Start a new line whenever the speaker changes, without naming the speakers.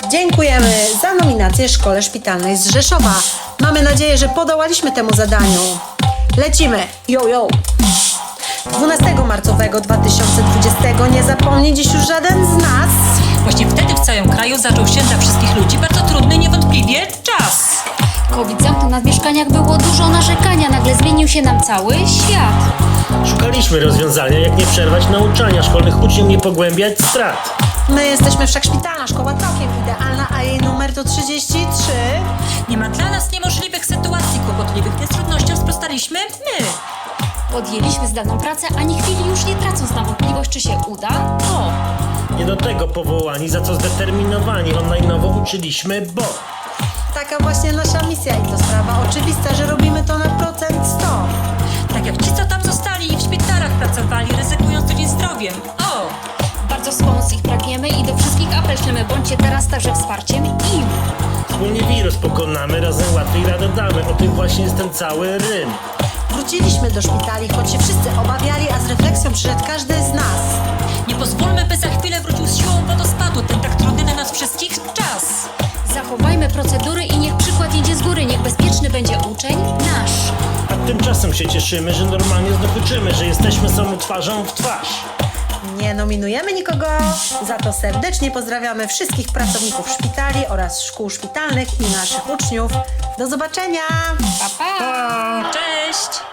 Dziękujemy za nominację Szkole Szpitalnej z Rzeszowa. Mamy nadzieję, że podołaliśmy temu zadaniu. Lecimy! Yo, yo! 12 marcowego 2020 nie zapomni dziś już żaden z nas.
Właśnie wtedy w całym kraju zaczął się dla wszystkich ludzi bardzo trudny, niewątpliwie czas.
COVID zamknął nas w mieszkaniach, było dużo narzekania, nagle zmienił się nam cały świat.
Szukaliśmy rozwiązania, jak nie przerwać nauczania szkolnych uczniów, nie pogłębiać strat.
My jesteśmy Wszechszpitalna Szkoła całkiem idealna, a jej numer to 33.
Nie ma dla nas niemożliwych sytuacji kłopotliwych, więc trudnościom sprostaliśmy my.
Podjęliśmy zdalną pracę, ani chwili już nie tracąc na wątpliwość, czy się uda. O!
Nie do tego powołani, za co zdeterminowani, online'owo uczyliśmy, bo
Taka właśnie nasza misja i to sprawa oczywista, że robimy to na procent 100.
Tak jak ci, co tam zostali i w szpitalach pracowali, ryzykując codziennie zdrowiem. O!
Bardzo wspomóc ich pragniemy i do wszystkich apel ślemy, bądźcie teraz także wsparciem im.
wspólnie wirus pokonamy, razem łatwiej radę damy. O tym właśnie jest ten cały rym.
Wróciliśmy do szpitali, choć się wszyscy obawiali, a z refleksją przyszedł każdy z nas.
Nie pozwólmy, by za chwilę wrócił z siłą wodospadu ten tak trudny dla nas wszystkich czas.
Zachowajmy procedury i niech przykład idzie z góry, niech bezpieczny będzie uczeń nasz.
A tymczasem się cieszymy, że normalnie zdobyczymy, że jesteśmy samą twarzą w twarz.
Nie nominujemy nikogo, za to serdecznie pozdrawiamy wszystkich pracowników szpitali oraz szkół szpitalnych i naszych uczniów. Do zobaczenia!
Pa, pa!
Cześć!